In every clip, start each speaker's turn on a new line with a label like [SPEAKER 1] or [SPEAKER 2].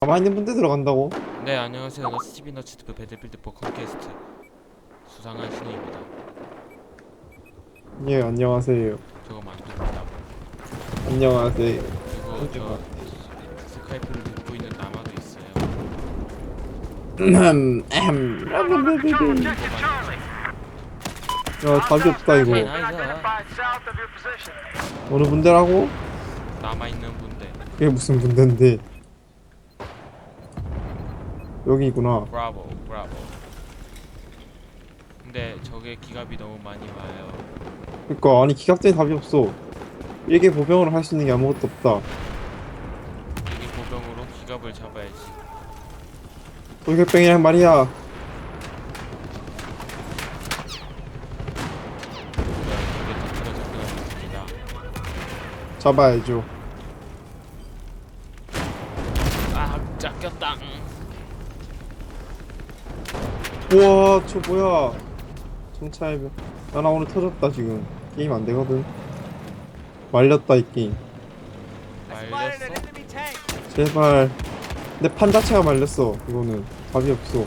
[SPEAKER 1] 가만히 있는 분들 들어간다고?
[SPEAKER 2] 네, 안녕하세요. 스티비 너츠드 배틀필드 4 컨퀘스트 수상한 신우입니다.
[SPEAKER 1] 예, 안녕하세요.
[SPEAKER 2] 저거 만듭니다.
[SPEAKER 1] 안녕하세요.
[SPEAKER 2] 그리고 저 스카이프를 듣고 있는 남아도 있어요.
[SPEAKER 1] 야, 답이 없다 이거.
[SPEAKER 2] 오케이, 나이스.
[SPEAKER 1] 어느 분들하고?
[SPEAKER 2] 남아있는 분들.
[SPEAKER 1] 그게 무슨 분인데? 여기구나.
[SPEAKER 2] 브라보, 브라보. 근데 저게 기갑이 너무 많이 와요.
[SPEAKER 1] 그니까 아니 기갑전에 답이 없어. 일개 보병으로 할 수 있는 게 아무것도 없다.
[SPEAKER 2] 이게 보병으로 기갑을 잡아야지.
[SPEAKER 1] 돌격병이란 말이야.
[SPEAKER 2] 저게 터트려서 끊어졌습니다.
[SPEAKER 1] 잡아야죠.
[SPEAKER 2] 아, 짝겼다.
[SPEAKER 1] 우와, 저 뭐야? 정찰병. 야, 나 오늘 터졌다 지금. 게임 안 되거든. 말렸다 이 게임.
[SPEAKER 2] 말렸어?
[SPEAKER 1] 제발. 내 판 자체가 말렸어. 이거는 답이 없어.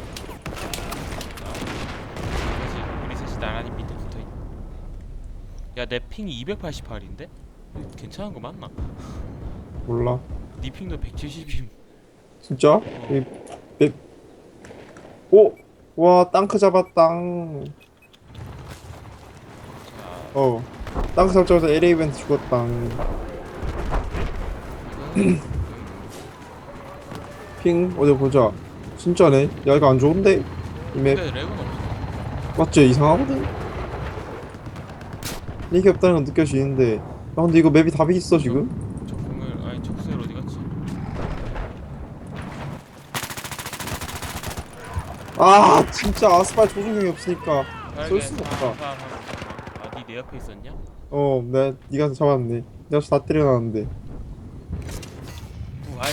[SPEAKER 2] 우리 셋이 나란히 밑에 붙어있. 야, 내 핑이 288인데? 괜찮은 거 맞나?
[SPEAKER 1] 몰라.
[SPEAKER 2] 니 핑도 170임.
[SPEAKER 1] 진짜? 오! 와, 땅크 잡았당.
[SPEAKER 2] 자,
[SPEAKER 1] 땅크 잡자마자 LA 이벤트 죽었당. 핑 어디 보자. 진짜네. 야, 이거 안 좋은데? 이 맵.
[SPEAKER 2] 근데 렉은 없어.
[SPEAKER 1] 맞지? 이상하거든? 이게 없다는 건 느껴지는데. 야, 근데 이거 맵이 답이 있어 지금?
[SPEAKER 2] 저 공을 아니 적수엘 어디 갔지?
[SPEAKER 1] 아, 진짜 아스팔 조준경이 없으니까 쏠 수가 없다.
[SPEAKER 2] 아, 니 내 옆에 있었냐?
[SPEAKER 1] 네가 잡았네. 내가 다 때려놨는데.
[SPEAKER 2] 부활.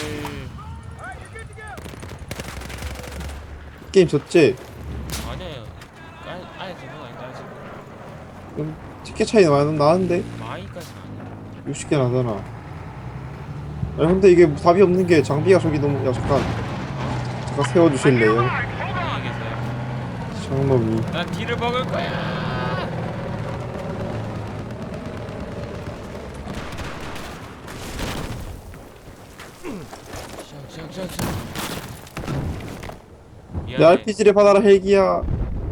[SPEAKER 1] 게임 졌지?
[SPEAKER 2] 아니야. 아예 된건 아닌데 아직.
[SPEAKER 1] 티켓 차이 많이 나는데?
[SPEAKER 2] 마이까지는 아니야.
[SPEAKER 1] 60개 나잖아. 아니 근데 이게 답이 없는 게 장비가 저기 너무. 야, 잠깐 세워주실래요?
[SPEAKER 2] 안녕히 계세요.
[SPEAKER 1] 장놈이.
[SPEAKER 2] 난 뒤를 먹을 거야. 샹샹샹샹.
[SPEAKER 1] 내
[SPEAKER 2] 미안해.
[SPEAKER 1] RPG를 받아라 헬기야.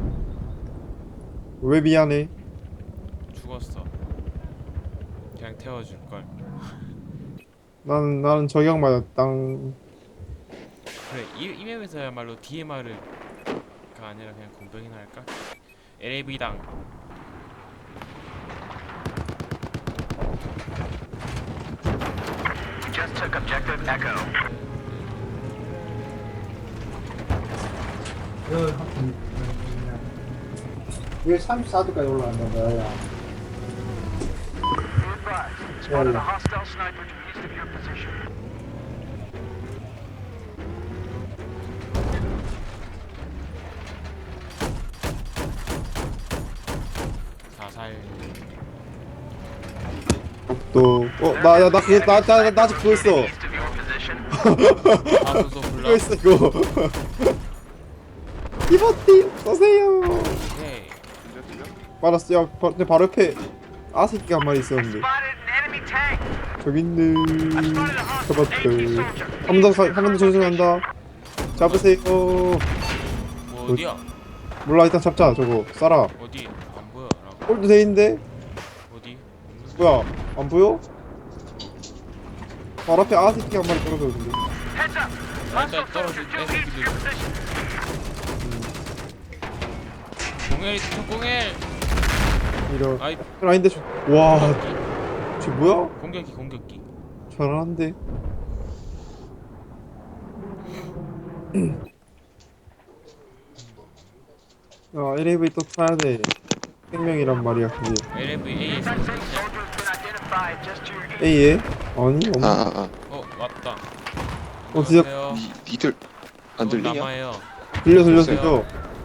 [SPEAKER 1] 왜 미안해?
[SPEAKER 2] 죽었어. 그냥 태워줄 걸.
[SPEAKER 1] 나는 저격 맞았당.
[SPEAKER 2] 그래, 이 맵에서야말로 DMR가 아니라 그냥 공병이나 할까? LAV당.
[SPEAKER 3] Just took objective Echo.
[SPEAKER 1] 왜 34도까지 올라간다 거야?
[SPEAKER 3] Be advised, spotted a hostile sniper to the east of your position.
[SPEAKER 2] 사살.
[SPEAKER 1] 나 그거 나 아직 그거 있어.
[SPEAKER 3] East of your position.
[SPEAKER 2] 사소소
[SPEAKER 1] 그거
[SPEAKER 2] 불러.
[SPEAKER 1] 있어 이거. 이버팀 쏘세요.
[SPEAKER 2] 오케이.
[SPEAKER 1] 말았어. 야, 내 바로 옆에 아새끼가 한 마리 있었는데.
[SPEAKER 3] Spotted an enemy tank.
[SPEAKER 1] 저기 있네.
[SPEAKER 3] Spotted a hostile AP
[SPEAKER 1] 잡았대.
[SPEAKER 3] soldier.
[SPEAKER 1] 한 번 더 전승한다. 잡으세요.
[SPEAKER 2] 뭐 어디야?
[SPEAKER 1] 몰라, 일단 잡자. 저거 쏴라.
[SPEAKER 2] 어디? 안 보여. 라고.
[SPEAKER 1] 홀드 돼 있는데?
[SPEAKER 2] 어디?
[SPEAKER 1] 뭐야, 안 보여? 바로 앞에 아새끼가 한 마리 떨어져 있는데.
[SPEAKER 3] Heads up.
[SPEAKER 2] 일단
[SPEAKER 3] Hostile
[SPEAKER 2] 떨어질
[SPEAKER 3] soldier
[SPEAKER 2] 때
[SPEAKER 3] due east of your
[SPEAKER 2] 새끼들.
[SPEAKER 3] position.
[SPEAKER 2] 공엘 공엘.
[SPEAKER 1] 이런.
[SPEAKER 2] 아이.
[SPEAKER 1] 아닌데, 와,
[SPEAKER 2] 공격기.
[SPEAKER 1] 쟤 뭐야?
[SPEAKER 2] 공격기.
[SPEAKER 1] 잘하는데. 야, LAV 또 타야 돼. 생명이란 말이야, 그게.
[SPEAKER 2] LAVA에서
[SPEAKER 3] Defensive soldier has been identified just to your east.
[SPEAKER 1] A에? 아니, 없네.
[SPEAKER 2] 왔다.
[SPEAKER 1] 진짜.
[SPEAKER 2] 안녕하세요.
[SPEAKER 4] 니들 안 들리냐?
[SPEAKER 2] 남아요.
[SPEAKER 1] 들려.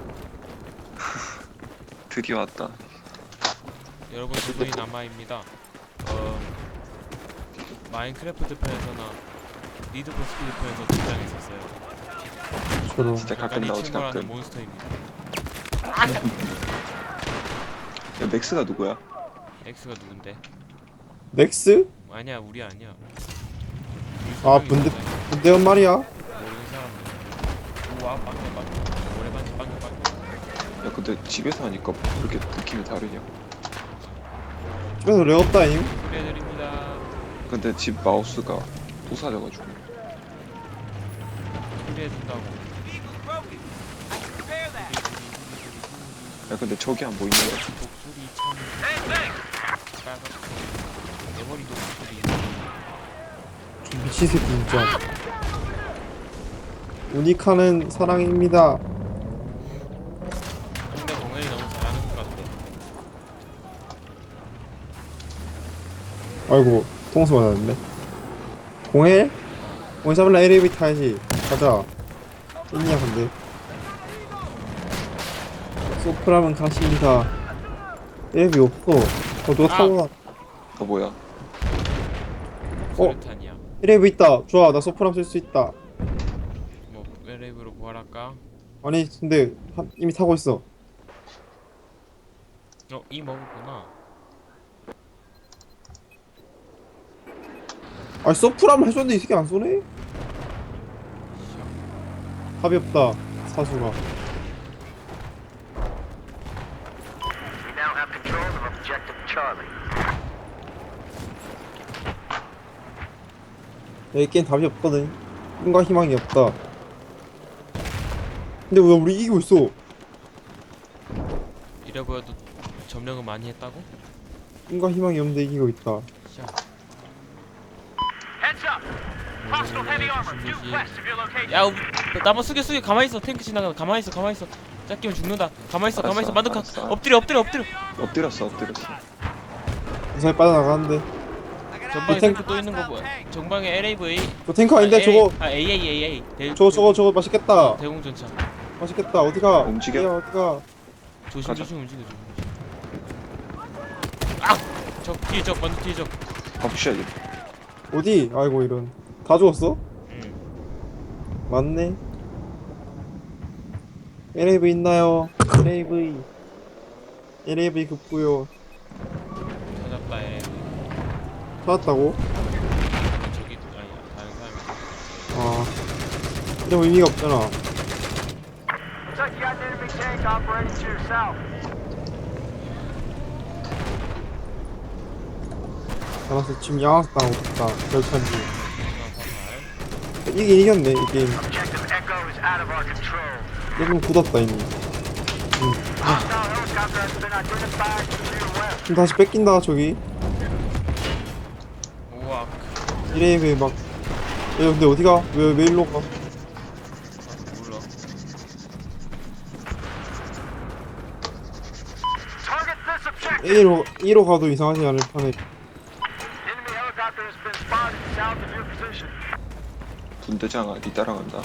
[SPEAKER 4] 드디어 왔다.
[SPEAKER 2] 여러분 저분이 남아입니다. 마인크래프트 편에서나 니드포 스피드폰에서 등장했었어요.
[SPEAKER 1] 저런.
[SPEAKER 4] 진짜 가끔
[SPEAKER 2] 약간 이
[SPEAKER 4] 나오지
[SPEAKER 2] 친구라는
[SPEAKER 4] 가끔.
[SPEAKER 2] 몬스터입니다.
[SPEAKER 4] 야 맥스가 누구야?
[SPEAKER 2] 엑스가 누군데?
[SPEAKER 1] 넥스?
[SPEAKER 2] 아니야 우리 아니야.
[SPEAKER 1] 아, 분대원 말이야.
[SPEAKER 2] 모르는 사람들. 우와 빵개 오래반지 빵개.
[SPEAKER 4] 야 근데 집에서 하니까 그렇게 느낌이 다르냐?
[SPEAKER 1] 집에서 렉 없다임.
[SPEAKER 2] 소리해드립니다.
[SPEAKER 4] 근데 집 마우스가 부사져가지고.
[SPEAKER 2] 소리해준다고.
[SPEAKER 4] 야 근데 저기 안 보이냐?
[SPEAKER 2] 목소리 참 빨갛고 내 머리도 목소리.
[SPEAKER 1] 저 미친 새끼 진짜. 우니카는 사랑입니다.
[SPEAKER 2] 근데 공연이 너무 잘하는 것 같아.
[SPEAKER 1] 아이고, 통수 맞았네. 공해? 공해 잡을라 LAB 타야지. 가자. 있냐 근데. 소프라면 가십니다. LAB 없어. 누가 타고 가.
[SPEAKER 4] 어 뭐야?
[SPEAKER 2] 수류탄이야.
[SPEAKER 1] LAB 있다. 좋아, 나 소프람 쓸 수 있다.
[SPEAKER 2] 뭐 웨레이브로 부활할까?
[SPEAKER 1] 아니 근데 이미 타고 있어.
[SPEAKER 2] 이 먹었구나.
[SPEAKER 1] 아니 소프람 해줬는데 이 새끼 안 쏘네? 답이 없다. 사수가.
[SPEAKER 3] We now have control of objective Charlie.
[SPEAKER 1] 이 게임 답이 없거든. 꿈과 희망이 없다. 근데 왜 우리 이기고 있어?
[SPEAKER 2] 이래 보여도 점령을 많이 했다고?
[SPEAKER 1] 꿈과 희망이 없는데 이기고 있다.
[SPEAKER 2] 샤.
[SPEAKER 3] Heads up! Hostile heavy armor due west of your location.
[SPEAKER 2] 야, 나만 숙여 가만히 있어. 탱크 지나가. 가만히 있어. 짝기면 죽는다. 가만히 있어.
[SPEAKER 4] 알았어,
[SPEAKER 2] 만두카.
[SPEAKER 4] 알았어.
[SPEAKER 2] 엎드려.
[SPEAKER 4] 엎드렸어.
[SPEAKER 1] 무사히 빠져나가는데.
[SPEAKER 2] 전방에
[SPEAKER 1] 이
[SPEAKER 2] 탱크 또 있는 거 뭐야? 전방에 LAV.
[SPEAKER 1] 저 탱크 아닌데 저거.
[SPEAKER 2] AA.
[SPEAKER 1] 저거 맛있겠다.
[SPEAKER 2] 대공전차.
[SPEAKER 1] 맛있겠다. 어디가?
[SPEAKER 4] 움직여?
[SPEAKER 1] 야, 어디가?
[SPEAKER 2] 조심
[SPEAKER 4] 가자.
[SPEAKER 2] 움직여. 아! 먼저 뒤에 적.
[SPEAKER 4] 가보셔야지.
[SPEAKER 1] 어디? 아이고 이런. 다 죽었어?
[SPEAKER 2] 응.
[SPEAKER 1] 맞네. LAV 있나요? LAV 급부요.
[SPEAKER 2] 찾았다 LAV.
[SPEAKER 1] 찾았다고?
[SPEAKER 2] 저기 아니 다른 사람이.
[SPEAKER 1] 아. 이런 의미가 없잖아.
[SPEAKER 3] Looks like you got an enemy tank operating to your south.
[SPEAKER 1] 알았어. 지금 양악 당하고 있다. 절찬지.
[SPEAKER 2] 화살.
[SPEAKER 1] 이긴 이겼네 이 게임.
[SPEAKER 3] Objective Echo is out of our control.
[SPEAKER 1] 조금 굳었다 이미.
[SPEAKER 3] Hostile helicopter has been identified to your west.
[SPEAKER 1] 그럼 다시 뺏긴다 저기.
[SPEAKER 2] 우와.
[SPEAKER 1] 이레이브 막. 야 근데 어디가? 왜 일로 가?
[SPEAKER 2] 몰라.
[SPEAKER 3] Target this objective.
[SPEAKER 1] A로 가도 이상하지 않을 판에.
[SPEAKER 3] Enemy helicopter has been spotted south of your position.
[SPEAKER 4] 분대장아 니 따라간다.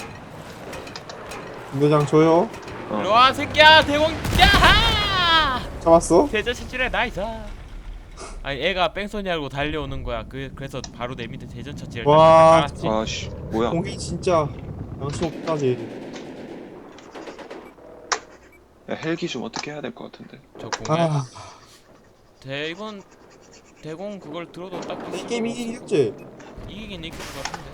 [SPEAKER 1] 군대장 줘요.
[SPEAKER 2] 일로와 새끼야 대공. 야하!
[SPEAKER 1] 잡았어?
[SPEAKER 2] 대전 차출해 나이스. 아니 애가 뺑소니 알고 달려오는 거야. 그래서 바로 내 밑에 대전 차지를
[SPEAKER 1] 와.
[SPEAKER 2] 알았지.
[SPEAKER 4] 아씨 뭐야?
[SPEAKER 1] 공이 진짜 양심 없다지.
[SPEAKER 4] 야 헬기 좀 어떻게 해야 될 것 같은데.
[SPEAKER 2] 저 공에
[SPEAKER 1] 아,
[SPEAKER 2] 이건 대공 그걸 들어도 딱
[SPEAKER 1] 이 게임 이기겠지?
[SPEAKER 2] 이기긴 이길 것 같은데.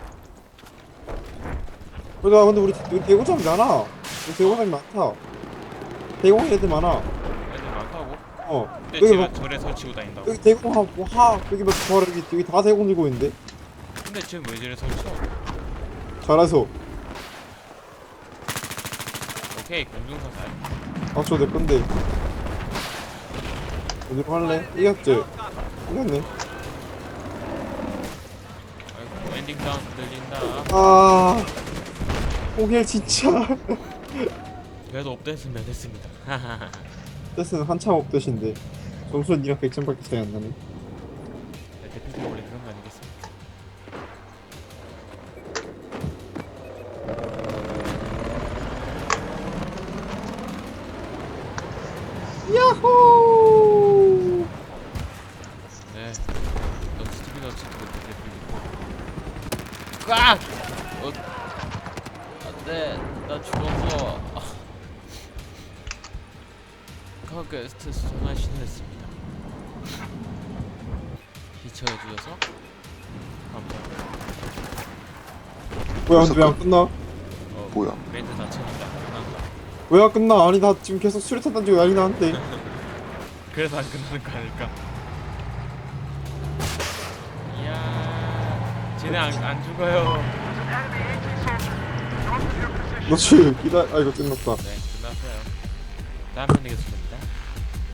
[SPEAKER 1] 그러니까 근데 우리 대공장이 많아. 우리 대공장이 많다. 대공 애들 많아.
[SPEAKER 2] 애들 많다고?
[SPEAKER 1] 어.
[SPEAKER 2] 근데
[SPEAKER 1] 여기
[SPEAKER 2] 제가
[SPEAKER 1] 막
[SPEAKER 2] 절에 설치고 다닌다고?
[SPEAKER 1] 여기 대공 여기 막 바로 여기 다 대공 들고 있는데.
[SPEAKER 2] 근데 지금 왜 저래 설쳐?
[SPEAKER 1] 잘해서.
[SPEAKER 2] 오케이 공중사살.
[SPEAKER 1] 아, 저내 건데. 어디로 할래? 이겼지? 이겼네.
[SPEAKER 2] 아이고 엔딩 사운드 들린다.
[SPEAKER 1] 아, 홍일 진짜.
[SPEAKER 2] 그래도 업됐으면 됐습니다.
[SPEAKER 1] 뜻은 한참 업되신데. 점수는 니랑 100점밖에 차이 안 나네.
[SPEAKER 2] 대표님 원래 그런 거 아니겠습니까?
[SPEAKER 1] 야호!
[SPEAKER 2] 네. 넌 스티븐 어치 그때 대표님. 안돼 나 죽었어. 카게스트에서 전화 신고했습니다. 기처해주셔서 감사합니다.
[SPEAKER 1] 뭐야 근데 왜 안 끝나?
[SPEAKER 4] 뭐야?
[SPEAKER 2] 멘트 자체니까 끝난다.
[SPEAKER 1] 왜 안 끝나? 아니 나 지금 계속 수류탄 던지고 난리 나는데.
[SPEAKER 2] 그래서 안 끝나는 거 아닐까? 이야 쟤네 안 죽어요.
[SPEAKER 3] There's an enemy AT soldier north of your position.
[SPEAKER 1] 너 지금 기다. 아 이거 끝났다.
[SPEAKER 2] 네 끝났어요. 다음 편 되겠습니다.